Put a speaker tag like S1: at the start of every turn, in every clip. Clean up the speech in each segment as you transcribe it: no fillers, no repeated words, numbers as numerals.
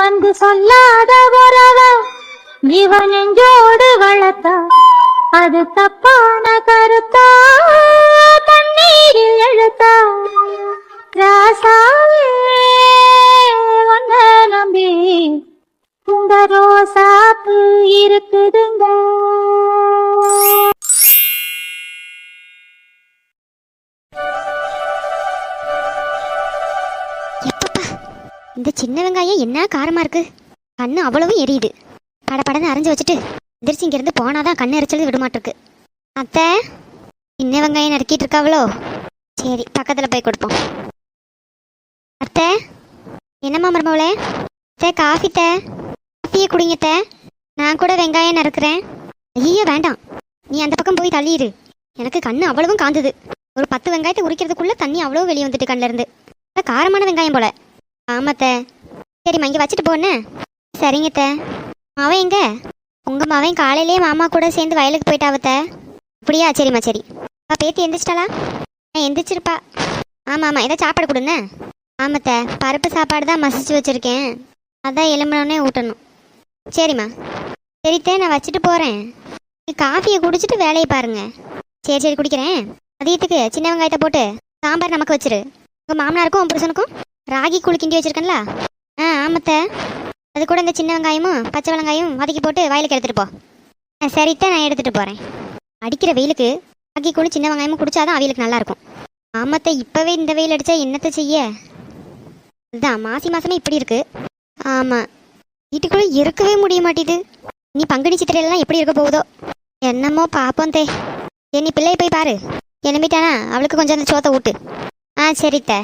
S1: வந்து சொல்லாத உறவ இவன் நெஞ்சோடு வளர்த்தா அது தப்பான கருத்தா தண்ணீரில் எழுத்தா ராசாவே ஒன்ன நம்பி இந்த ரோசாப்பு இருக்குதுங்க.
S2: இந்த சின்ன வெங்காயம் என்ன காரமா இருக்கு. கண்ணு அவ்வளவும் எரியுது. படப்படன்னு அரைஞ்சு வச்சுட்டு எந்திரிச்சு இங்கிருந்து போனாதான் கண்ணு எரிச்சல் விடமாட்டிருக்கு. அத்தை, சின்ன வெங்காயம் நறுக்கிட்டு இருக்காவளோ? சரி, பக்கத்துல போய் கொடுப்போம். அத்தை, என்னம்மா மருமவளே? அத்தை, காஃபியை குடிங்கத்த. நான் கூட வெங்காயம் நறுக்கிறேன். ஐயோ வேண்டாம், நீ அந்த பக்கம் போய் தள்ளிடு. எனக்கு கண்ணு அவ்வளவும் காந்துது. ஒரு 10 வெங்காயத்தை உரிக்கிறதுக்குள்ள தண்ணி அவ்வளவு வெளியே வந்துட்டு கண்ணில் இருந்து. காரமான வெங்காயம் போல. ஆமாத்த. சரிம்மா, இங்கே வச்சுட்டு போன்னு. சரிங்கத்த. மாவன் எங்க? உங்கள் மாவன் காலையிலேயே மாமா கூட சேர்ந்து வயலுக்கு போயிட்டாவத்த. அப்படியா? சரிம்மா சரி. பேத்தி எந்திரிச்சிட்டாளா? எந்திரிச்சிருப்பா. ஆமாம் ஆமாம், ஏதோ சாப்பாடு கொடுண்ணே. ஆமாத்த, பருப்பு சாப்பாடு தான் மசிச்சு வச்சுருக்கேன். அதான் எலும்பினோடனே ஊட்டணும். சரிம்மா. சரித்த, நான் வச்சுட்டு போகிறேன். காஃபியை குடிச்சிட்டு வேலையை பாருங்க. சரி சரி, குடிக்கிறேன். மதியத்துக்கு சின்ன வெங்காயத்தை போட்டு சாம்பார் நமக்கு வச்சிரு. உங்கள் மாமனாருக்கும் உன் புருஷனுக்கும் ராகி கூழ் கிண்டி வச்சிருக்கேன்ல? ஆமாத்த. அது கூட இந்த சின்ன வெங்காயமும் பச்சை வெங்காயம் வதக்கி போட்டு வயலுக்கு எடுத்துகிட்டு போ. சரித்தான், நான் எடுத்துகிட்டு போகிறேன். அடிக்கிற வெயிலுக்கு ராகி கூழ் சின்ன வெங்காயமும் குடிச்சாதான் அவியலுக்கு நல்லாயிருக்கும். ஆமாத்த, இப்போவே இந்த வெயில் அடித்தா என்னத்தை செய்ய? இதுதான் மாசி மாதமே இப்படி இருக்கு. ஆமாம், வீட்டுக்குள்ளே இருக்கவே முடிய மாட்டேது. நீ பங்குனி சித்திரையிலலாம் எப்படி இருக்க போகுதோ என்னமோ பார்ப்போம் தே. நீ பிள்ளையை போய் பாரு. கிளம்பிட்டானா அவளுக்கு கொஞ்சம் அந்த சோத்தை ஊட்டு. சரித்த.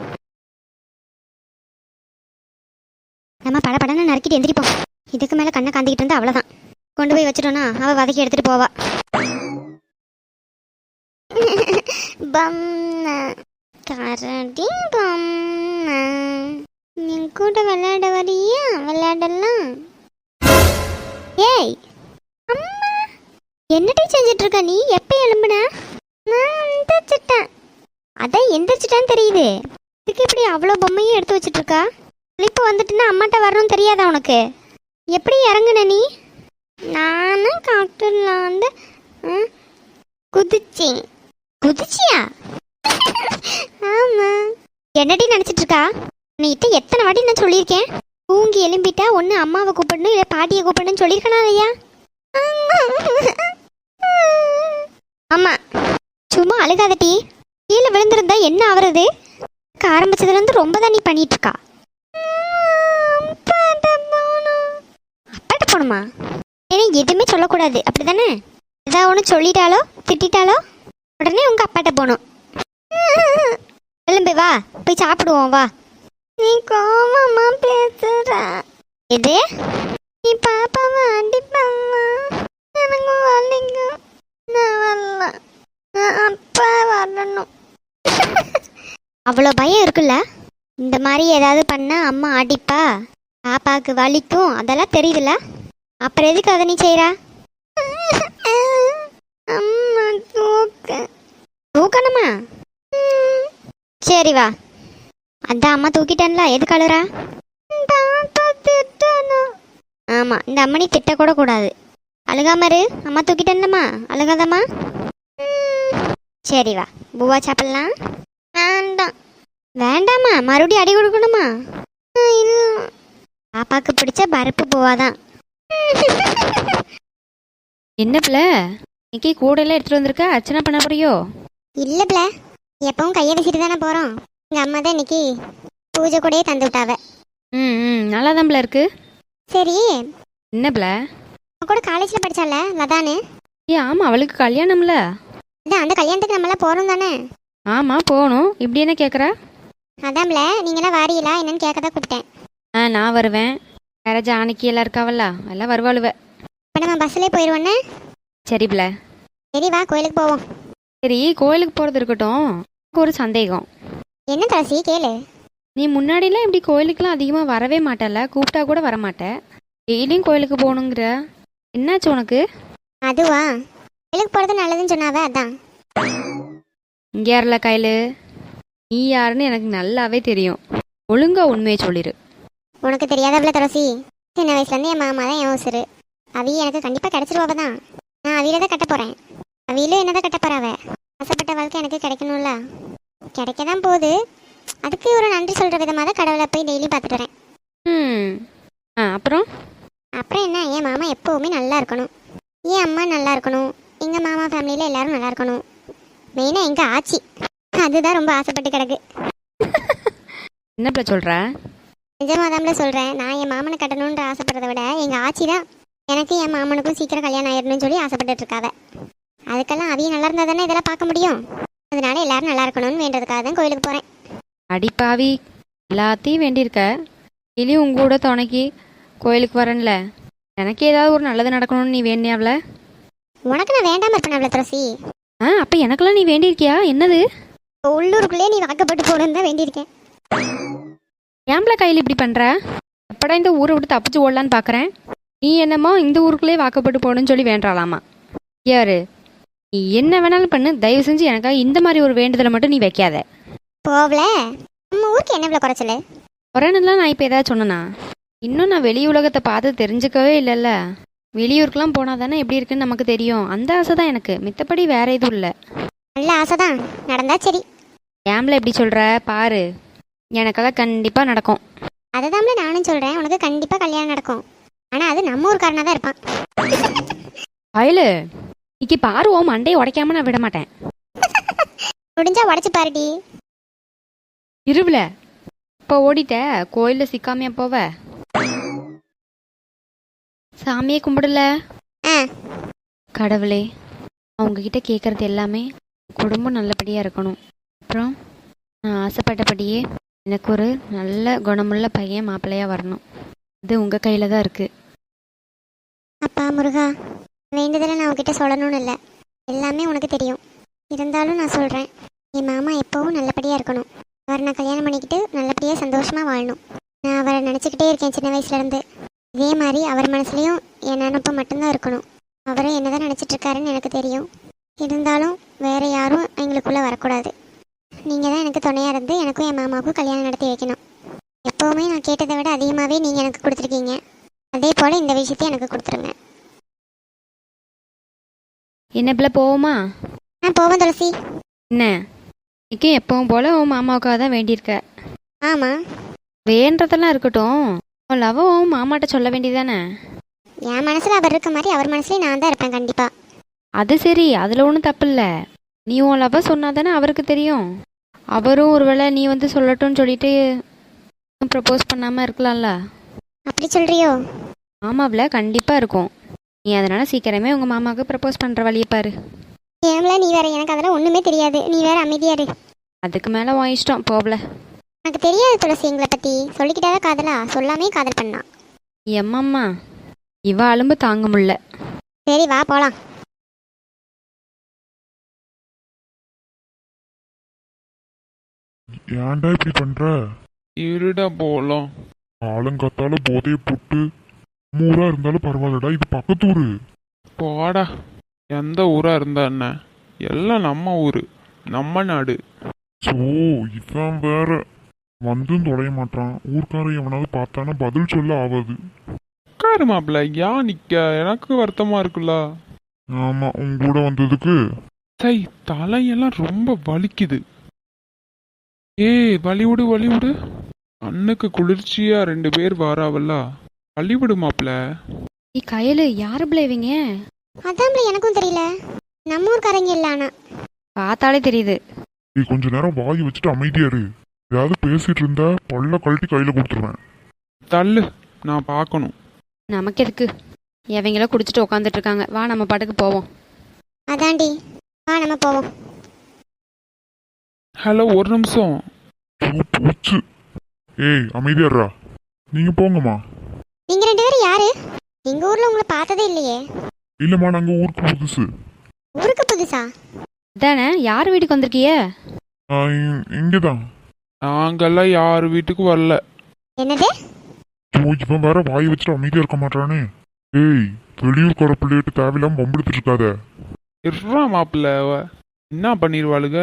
S2: நம்ம படன்னு நறுக்கிட்டு எந்திரிப்போம். இதுக்கு மேலே கண்ணை காந்திக்கிட்டு இருந்தா அவ்வளோதான். கொண்டு போய் வச்சிட்டோன்னா அவள் வதக்கி எடுத்துகிட்டு போவா. நீ கூட விளையாட வரியா? விளையாடலாம். ஏய் அம்மா, என்னடி செஞ்சிட்டு இருக்க நீ? எப்போ எழும்புன? நான் எந்திரிச்சிட்டேன். அதான் எந்திரிச்சிட்டான்னு தெரியுது. இதுக்கு இப்படி அவ்வளோ பொம்மையும் எடுத்து வச்சுட்டு இருக்கா? இப்போ வந்துட்டுன்னா அம்மாட்ட வரணும்னு தெரியாதா உனக்கு? எப்படி இறங்குன நீ? நானும் காட்டுலாம் வந்து குதிச்சேன். குதிச்சியா? ஆமா. என்னடி நினச்சிட்டு இருக்கா? நீட்ட எத்தனை வாட்டி நான் சொல்லியிருக்கேன், தூங்கி எலும்பிட்டா ஒன்று அம்மாவை கூப்பிடணும் இல்லை பாட்டியை கூப்பிடணும்னு சொல்லியிருக்கனா இல்லையா? ஆமா, சும்மா அழுகாதட்டி. கீழே விழுந்திருந்தா என்ன ஆகுறது? ஆரம்பிச்சதுலேருந்து ரொம்ப தான் நீ பண்ணிட்டு இருக்கா. அப்பாட்ட போகணுமா? ஏன்னா எதுவுமே சொல்லக்கூடாது, அப்படிதானே? ஏதாவது ஒன்று சொல்லிட்டாலோ திட்டாலோ உடனே உங்கள் அப்பாட்ட போகணும். எழும்பு, வா போய் சாப்பிடுவோம், வா. நீ கோவமா பேசுற. எது? நீ பாப்பாவை அடிப்பாமா? எனக்கு வலிக்கும். நான் வரல, அப்பா வரணும். அவ்வளோ பயம் இருக்குல்ல? இந்த மாதிரி ஏதாவது பண்ணால் அம்மா அடிப்பா, பாப்பாவுக்கு வலிக்கும், அதெல்லாம் தெரியுதுல்ல? அப்புறம் எதுக்கு அதை நீ செய்கிறா? அம்மா தூக்கணுமா? சரி வா. அதான் அம்மா தூக்கிட்டேன்ல, எதுக்கு அழுறா? ஆமாம், இந்த அம்மனி திட்டக்கூட கூடாது. அழுகாம இரு. அம்மா தூக்கிட்டேன்லம்மா, அழுகாதம்மா. சரி வா, பூவா சாப்பிடலாம். வேண்டாம். வேண்டாமா? மறுபடியும் அடி கொடுக்கணுமா? பாப்பாக்கு பிடிச்ச பருப்பு பூவாதான்.
S3: என்ன பிள்ளை, இன்னைக்கு கூடையெல்லாம் எடுத்துட்டு வந்திருக்க? அர்ச்சனை பண்ண போறியோ?
S2: இல்லை பிள்ளை, எப்பவும் கையை வீசிட்டு தானே போகிறோம். எங்கள் அம்மா தான் இன்னைக்கு பூஜை கூடயே தந்து விட்டாவ.
S3: நல்லா தான் பிள்ளை இருக்கு.
S2: சரி,
S3: என்ன பிள்ளை?
S2: கூட காலேஜில் படித்தால லதானு?
S3: ஆமாம், அவளுக்கு கல்யாணம்ல.
S2: இதான் அந்த கல்யாணத்துக்கு நம்மளாம் போகிறோம் தானே?
S3: ஆமாம் போகணும். இப்படி என்ன கேட்குறா?
S2: அதான் பிள்ளை, நீங்களாம் வாரீங்களா என்னன்னு கேட்க தான் கூப்பிட்டேன்.
S3: நான் வருவேன். வேற ஜானகி எல்லாம் இருக்காவல்ல, எல்லாம் வருவாளுவ.
S2: இப்போ நம்ம பஸ்ஸிலே போயிடுவோண்ணே.
S3: சரி பிள்ளை.
S2: சரி வா, கோயிலுக்கு போவோம்.
S3: சரி, கோயிலுக்கு போகிறது இருக்கட்டும். எனக்கு ஒரு சந்தேகம்.
S2: என்ன துளசி, கேளு.
S3: நீ முன்னாடிலாம் இப்படி கோயிலுக்கெல்லாம் அதிகமாக வரவே மாட்டல, கூப்பிட்டா கூட வரமாட்டேன். டெய்லியும் கோயிலுக்கு போகணுங்கிற, என்னாச்சு உனக்கு?
S2: அதுவா, கோயிலுக்கு போகிறது நல்லதுன்னு சொன்னாவே அதான்.
S3: இங்கே யாரில்ல கையில், நீ யாருன்னு எனக்கு நல்லாவே தெரியும். ஒழுங்கா உண்மையை சொல்லிடு.
S2: உனக்கு தெரியாதவள துளசி, சின்ன வயசுலேருந்து என் மாமா தான் என் உசுரு. அவிய எனக்கு கண்டிப்பாக கிடச்சிருவாவ தான். நான் அவியில தான் கட்ட போகிறேன். அவியிலும் என்ன தான் கட்ட போகிறாவ. ஆசைப்பட்ட வாழ்க்கை எனக்கு கிடைக்கணும்ல. கிடைக்க தான் போகுது. அதுக்கு ஒரு நன்றி சொல்கிற விதமாக தான் கடவுளை போய் டெய்லி பார்த்துட்டு வரேன்.
S3: அப்புறம்
S2: அப்புறம் என்ன, என் மாமா எப்போவுமே நல்லா இருக்கணும், என் அம்மா நல்லா இருக்கணும், எங்கள் மாமா ஃபேமிலியில் எல்லாரும் நல்லா இருக்கணும். மெயினாக எங்கள் ஆச்சி, அதுதான் ரொம்ப ஆசைப்பட்டு கிடக்கு.
S3: என்னப்பா சொல்கிற?
S2: நிஜமாதாம்ல சொல்கிறேன். நான் என் மாமனை கட்டணுன்ற ஆசைப்படுறத விட எங்கள் ஆச்சி தான் எனக்கு என் மாமனுக்கும் சீக்கிரம் கல்யாணம் ஆயிடணும்னு சொல்லி ஆசைப்பட்டுட்டு இருக்காவ. அதுக்கெல்லாம் அவிய நல்லா இருந்தால் தானே இதெல்லாம் பார்க்க முடியும். அதனால எல்லாரும் நல்லா இருக்கணும்னு வேண்டதுக்காக தான் கோயிலுக்கு போகிறேன்.
S3: அடிப்பாவி, எல்லாத்தையும் வேண்டியிருக்க. இனியும் உங்க கூட துணைக்கி கோயிலுக்கு வரேன்ல, எனக்கு ஏதாவது ஒரு நல்லது நடக்கணும்னு நீ வேண்டியாவல?
S2: உனக்கு நான் வேண்டாமல் இருப்பேன் அவ்வளோ துளசி.
S3: அப்போ எனக்கெல்லாம் நீ வேண்டியிருக்கியா? என்னது?
S2: உள்ளூருக்குள்ளே நீ வாக்கப்பட்டு போகணுன்னு தான் வேண்டியிருக்கேன்.
S3: ஏம்பள கையில் இப்படி பண்ணுற? எப்படா இந்த ஊரை விட்டு தப்பிச்சு ஓடலான்னு பார்க்குறேன். நீ என்னமோ இந்த ஊருக்குள்ளே வாக்கப்பட்டு போகணும்னு சொல்லி வேண்டாலாமா? யாரு நீ என்ன வேணாலும் பண்ணு, தயவு செஞ்சு எனக்காக இந்த மாதிரி ஒரு வேண்டுதலை மட்டும் நீ வைக்காத.
S2: போகல, நம்ம ஊருக்கு என்ன இவ்வளோ குறைச்சல?
S3: குறையணுலாம் நான் இப்போ ஏதாவது சொன்னேனா? இன்னும் நான் வெளி உலகத்தை பார்த்து தெரிஞ்சுக்கவே இல்லைல்ல. வெளியூருக்குலாம் போனால் தானே எப்படி இருக்குன்னு நமக்கு தெரியும். அந்த ஆசை தான் எனக்கு, மித்தபடி வேற எதுவும் இல்லை.
S2: நல்ல ஆசை தான், நடந்தா சரி.
S3: ஏம்பள எப்படி சொல்கிற பாரு, எனக்காக கண்டிப்பாக நடக்கும்.
S2: அதை தான்ல நானும் சொல்கிறேன், உனக்கு கண்டிப்பாக கல்யாணம் நடக்கும். ஆனால் அது நம்ம ஊருக்காரனாக தான் இருப்பான்.
S3: அயலு இன்னைக்கு பாரு, ஓ மண்டையை உடைக்காம நான் விட மாட்டேன்.
S2: முடிஞ்சா உடச்சி பாருடி.
S3: இருவில் இப்போ ஓடிட்ட, கோயிலில் சிக்காமையா போவ? சாமியே கும்பிடல. கடவுளே, அவங்கக்கிட்ட கேட்குறது எல்லாமே குடும்பம் நல்லபடியாக இருக்கணும். அப்புறம் நான் ஆசைப்பட்டபடியே எனக்கு ஒரு நல்ல குணமுள்ள பையன் மாப்பிள்ளையாக வரணும். இது உங்கள் கையில் தான் இருக்குது.
S2: அப்பா முருகா, வேண்டுதலை நான் உங்ககிட்ட சொல்லணும்னு இல்லை, எல்லாமே உனக்கு தெரியும். இருந்தாலும் நான் சொல்கிறேன், என் மாமா எப்போவும் நல்லபடியாக இருக்கணும். அவரை நான் கல்யாணம் பண்ணிக்கிட்டு நல்லபடியாக சந்தோஷமாக வாழணும். நான் அவரை நினச்சிக்கிட்டே இருக்கேன் சின்ன வயசுலேருந்து. இதே மாதிரி அவர் மனசுலேயும் என் நினப்பு மட்டும்தான் இருக்கணும். அவரை என்ன தான் நினச்சிட்ருக்காருன்னு எனக்கு தெரியும். இருந்தாலும் வேறு யாரும் எங்களுக்குள்ளே வரக்கூடாது. நீங்கள் தான் எனக்கு துணையாக இருந்து எனக்கும் என் மாமாவுக்கும் கல்யாணம் நடத்தி வைக்கணும். எப்போவுமே நான் கேட்டதை விட அதிகமாகவே நீங்கள் எனக்கு கொடுத்துருக்கீங்க. அதே போல் இந்த விஷயத்தையும் எனக்கு கொடுத்துருங்க.
S3: என்ன பிள்ளை போவோமா?
S2: போவோம் துளசி.
S3: என்ன இன்னைக்கு எப்பவும் போல் உன் மாமாவுக்காக தான் வேண்டியிருக்க?
S2: ஆமாம்.
S3: வேண்டதெல்லாம் இருக்கட்டும், உன் லவ் உன் மாமாட்ட சொல்ல வேண்டியதானே?
S2: என் மனசில் அவர் இருக்க மாதிரி அவர் மனசுலேயும் நான் தான் இருப்பேன் கண்டிப்பாக.
S3: அது சரி, அதில் ஒன்றும் தப்பு இல்லை. நீ உன் லவ்வை சொன்னா தானே அவருக்கு தெரியும். அவரும் ஒருவேளை நீ வந்து சொல்லட்டும்னு சொல்லிட்டு ப்ரப்போஸ் பண்ணாமல் இருக்கலாம்ல.
S2: அப்படி சொல்கிறியோ?
S3: மாமாவில் கண்டிப்பாக இருக்கும். நீ அதனால் சீக்கிரமே உங்கள் மாமாவுக்கு ப்ரப்போஸ் பண்ணுற வழியை பாரு.
S2: ஏம்ல நீ வேற, எனக்கு அதெல்லாம் ஒன்றுமே தெரியாது. நீ வேற அமைதியாரு.
S3: அதுக்கு மேலே உன் இஷ்டம், போகல.
S2: எனக்கு தெரியாது துளசி எங்களை பற்றி. சொல்லிக்கிட்டாதான் காதலா? சொல்லாமே காதல் பண்ணான்.
S3: எம்மம்மா, இவ அலும்பு தாங்க முடியல.
S2: சரி வா போகலாம்.
S4: ஏன்டா இப்படி பண்ற?
S5: இருடா போலாம்.
S4: ஆளுங்கத்தால போதையை போட்டு ஊரா இருந்தாலும் பரவாயில்லடா, இது பக்கத்தூரு.
S5: போடா, எந்த ஊரா இருந்தா என்ன, எல்லாம் நம்ம ஊரு, நம்ம நாடு.
S4: சோ இவன் வேற வந்தும் தொலைய மாட்டான். ஊர்க்காரன் எவனாவது பார்த்தானா பதில் சொல்ல ஆகாது.
S5: உட்காரு மாப்பிள்ள, ஏன் நிக்க? எனக்கு வருத்தமா இருக்குல்ல.
S4: ஆமா, உங்க கூட வந்ததுக்கு.
S5: சை, தலையெல்லாம் ரொம்ப வலிக்குது. ஏய் வலிவிடு வலிவிடு, அண்ணுக்கு குளிர்ச்சியா 2 பேர் வாராவல்ல, வலிவிடு மாப்பிள்ள.
S3: நீ கையில் யாரு பிள்ளை இவங்க?
S2: அதான்ல எனக்கும் தெரியல. நம்ம ஊர்க்காரங்க இல்லை. ஆனால்
S3: பார்த்தாலே தெரியுது.
S4: நீ கொஞ்ச நேரம் வாய் வச்சுட்டு அமைதியா இரு. ஏதாவது பேசிட்டு இருந்தா பல்ல கழட்டி கையில கொடுத்துருவேன்.
S5: தள்ளு, நான் பார்க்கணும்.
S3: நமக்கு எதுக்கு? எவங்களோ குடிச்சிட்டு உட்காந்துட்டு இருக்காங்க. வா நம்ம பாட்டுக்கு போவோம்.
S2: அதாண்டி, வா நம்ம போவோம்.
S5: ஹலோ, ஒரு நிமிஷம்.
S4: போச்சு. ஏய் அமைதியாடுறா. நீங்க போங்கம்மா.
S2: நீங்கள் 2 பேரும் யாரு? எங்கள் ஊரில் உங்களை பார்த்ததே இல்லையே.
S4: இல்லம்மா, நாங்க ஊருக்கு புதுசு.
S2: ஊருக்கு புதுசா?
S3: தானே, யார் வீட்டுக்கு வந்திருக்கிய?
S4: இங்கதான்.
S5: நாங்கெல்லாம் யார் வீட்டுக்கு வரல.
S2: என்னது?
S4: இவன் வேற வாய் வச்சுட்டு அமைதியா இருக்க மாட்டானே. ஏய், வெளியூர்கார பிள்ளைகிட்ட தேவையில்லாம வம்பிடுத்துட்டு இருக்காத.
S5: இருறா மாப்பிள்ள, என்ன பண்ணிடுவாளுங்க?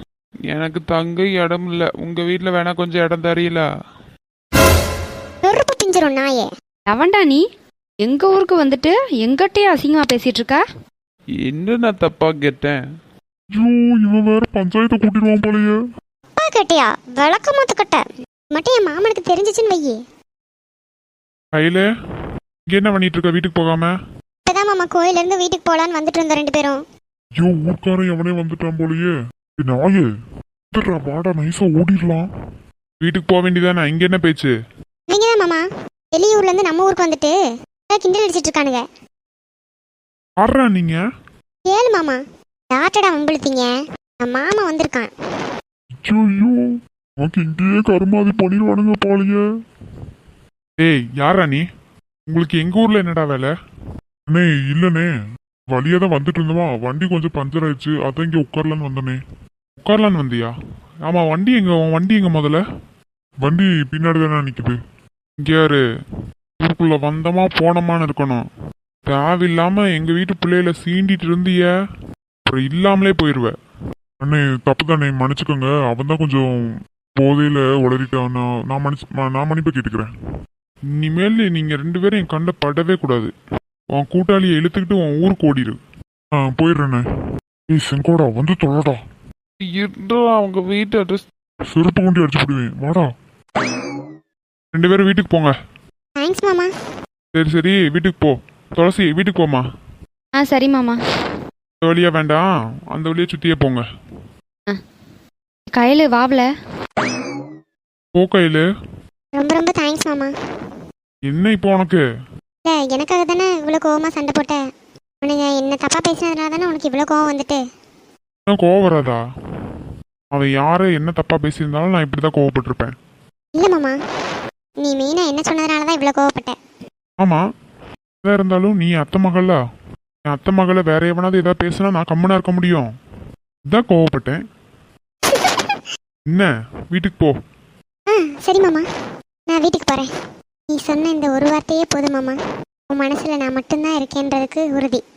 S5: எனக்கு தங்க இடம் இல்லை. உங்க வீட்டில் வேணா கொஞ்சம் இடம் தெரியல.
S2: நொறு கிழிஞ்சிரும் நாயே.
S3: எவன்டா நீ? எங்க ஊருக்கு வந்துட்டு எங்கிட்டயே அசிங்கமா பேசிட்டு இருக்கா?
S5: என்ன நான் தப்பா கேட்டேன்?
S4: ஐயோ இவன் வேற பஞ்சாயத்தை கூட்டிடுவான் போலயே.
S2: அப்பா கேட்டியா? விளக்க மாத்துக்கட்ட மட்டும் என் மாமனுக்கு தெரிஞ்சிச்சுன்னு வையே.
S5: கையில இங்க என்ன பண்ணிட்டு இருக்க வீட்டுக்கு போகாம?
S2: இப்பதான் மாமா கோயில இருந்து வீட்டுக்கு போலான்னு வந்துட்டு இருந்தோம் 2 பேரும்.
S4: ஐயோ ஊர்க்காரன் எவனே வந்துட்டான் போலயே. நாயே வாடா நைஸா ஓடிடலாம்.
S5: வீட்டுக்கு போக வேண்டியதானே, இங்க என்ன பேச்சு?
S2: நீங்க தான் மாமா வெளியூர்ல இருந்து நம்ம ஊருக்கு வந்துட்டு கிண்டல் அடிச்சிட்டு இருக்கானுங்க.
S5: ஆடுறா நீங்க?
S2: ஏழு மாமா டாட்டடா வம்பிழுத்தீங்க. என் மாமா வந்திருக்கான்.
S4: ஐயோ உனக்கு இங்கேயே கருமாதி பண்ணிடுவானுங்க போலயே.
S5: ஏய் யாரா நீ? உங்களுக்கு எங்க ஊர்ல என்னடா வேலை?
S4: அண்ணே இல்லனே வழியா தான் வந்துட்டு இருந்தோமா, வண்டி கொஞ்சம் பஞ்சர் ஆயிடுச்சு, அதான் இங்க உட்காரலான்னு வந்தனே.
S5: உட்காரலான்னு வந்தியா? ஆமா வண்டி எங்க? உன் வண்டி எங்க முதல்ல?
S4: வண்டி பின்னாடி தானே நிக்குது.
S5: இங்க யாரு? ஊருக்குள்ள வந்தமா போனமான்னு இருக்கணும். தேவையில்லாம எங்க வீட்டு பிள்ளையில சீண்டிட்டு இருந்திய அப்புறம் இல்லாமலே போயிருவ.
S4: அண்ணே தப்பு தானே மன்னிச்சுக்கோங்க, அவன் தான் கொஞ்சம் போதையில உளறிட்டான். நான் மன்னிப்பை கேட்டுக்கிறேன்.
S5: இனிமேல் நீங்க 2 பேரும் என் கண்ட படவே கூடாது. உன் கூட்டாளியை இழுத்துக்கிட்டு உன் ஊருக்கு ஓடிடு.
S4: போயிடுறேண்ணே. ஏய் செங்கோடா வந்து தொழடா.
S5: அவங்க வீட்டு அட்ரஸ்
S4: செருப்பு கொண்டு அடிச்சு போடுவேன் வாடா.
S5: 2 பேரும் வீட்டுக்கு போங்க.
S2: தேங்க்ஸ் மாமா.
S5: சரி வீட்டுக்கு போ. துளசி வீட்டுக்கு போமா.
S3: சரி மாமா.
S5: இந்த வழியா வேண்டாம், அந்த வழியா சுத்தியே போங்க.
S3: கையில் வாவல.
S5: போ கையில.
S2: ரொம்ப ரொம்ப தேங்க்ஸ் மாமா.
S5: என்ன இப்போ உனக்கு?
S2: இல்லை எனக்காக தானே இவ்வளோ கோவமா சண்டை போட்ட. உனக்கு என்ன தப்பா பேசினதுனால தானே உனக்கு இவ்வளோ கோவம் வந்துட்டு.
S5: என்ன கோவம் வராதா? அவன் யாரு என்ன தப்பா பேசியிருந்தாலும் நான் இப்படிதான் கோவப்பட்டிருப்பேன்.
S2: இல்லை மாமா நீ மெயினாக என்ன சொன்னதுனால தான் இவ்வளோ கோவப்பட்ட.
S5: ஆமா எதா இருந்தாலும் நீ அத்தை மகளா? என் அத்தை மகளை வேற எவனாவது ஏதாவது பேசினா நான் கம்முனா இருக்க முடியும்? இதான் கோவப்பட்டேன். என்ன வீட்டுக்கு போ.
S2: சரி மாமா நான் வீட்டுக்கு போகிறேன். நீ சொன்ன இந்த ஒரு வார்த்தையே போதும் மாமா. உன் மனசில் நான் மட்டும்தான் இருக்கேன்றதுக்கு உறுதி.